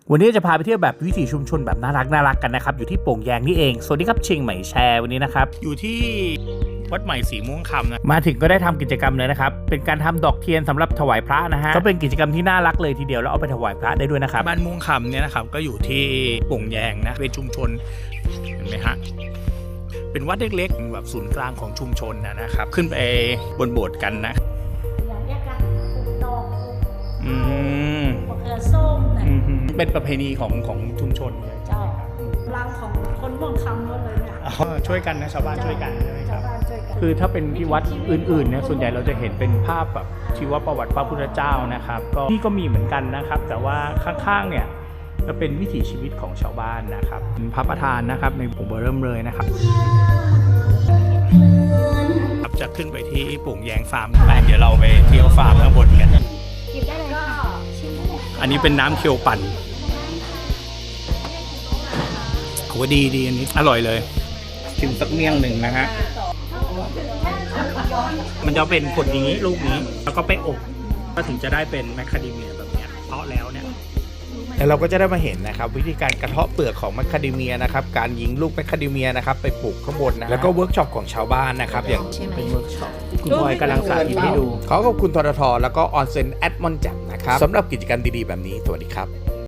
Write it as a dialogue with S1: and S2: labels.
S1: วันนี้จะพาไปเที่ยวแบบวิถีชุมชนแบบน่ารักกันนะครับอยู่ที่โป่งแยงนี่เองสวัสดีครับเชียงใหม่แชร์วันนี้นะครับอยู่ที่วัดใหม่สีม่วงคำนะมาถึงก็ได้ทำกิจกรรมเลยนะครับเป็นการทำดอกเทียนสำหรับถวายพระนะฮะก็เป็นกิจกรรมที่น่ารักเลยทีเดียวแล้วเอาไปถวายพระได้ด้วยนะครับบ้านม่วงคำเนี่ยนะครับก็อยู่ที่โป่งแยงนะเป็นชุมชนเห็นไหมฮะเป็นวัดเล็กๆแบบศูนย์กลางของชุมชนนะครับขึ้นไปบนโบสถ์กันนะ
S2: อย่างเงี้ยกันปลูกดอกปลูกมะเขือส้มเนี่ย
S1: เป็นประเพณีของชุมชนเลย
S2: เจ้าพลังของคนม่วงคำหมดเลยเนี่ย
S1: ช่วยกันนะชาวบ้านช่วยกันใช่ไหมครับ
S2: ช่วยกัน
S1: คือถ้าเป็นที่วัดอื่นๆเนี่ยส่วนใหญ่เราจะเห็นเป็นภาพแบบชีวประวัติพระพุทธเจ้านะครับก็นี่ก็มีเหมือนกันนะครับแต่ว่าข้างๆเนี่ยจะเป็นวิถีชีวิตของชาวบ้านนะครับพระประธานนะครับในโป่งเริ่มเลยนะครับจะขึ้นไปที่โป่งแยงฟาร์มเดี๋ยวเราไปเที่ยวฟาร์มข้างบนกัน
S2: กินได้เลยก็ชิมได้เลย
S1: อันนี้เป็นน้ำเคียวปั่นโหดีอันนี้อร่อยเลยชิมสักเมี่ยงหนึ่งนะฮะมันจะเป็นผลอย่างนี้ลูกนี้แล้วก็ไปอบก็ถึงจะได้เป็นแมคคาเดเมียแบบนี้เพาะแล้วเนี่ยแล้วเราก็จะได้มาเห็นนะครับวิธีการกระเทาะเปลือกของแมคคาเดเมียนะครับการยิงลูกแมคคาเดเมียนะครับไปปลูกข้างบนนะแล้วก็เวิร์กช็อปของชาวบ้านนะครับอย่างเป็นเวิร์กช็อปคุณพลอยกำลังสาธิตให้ดูขอขอบคุณทททแล้วก็ออนเซ็นแอดมอนแจ่มนะครับสำหรับกิจกรรมดีๆแบบนี้สวัสดีครับ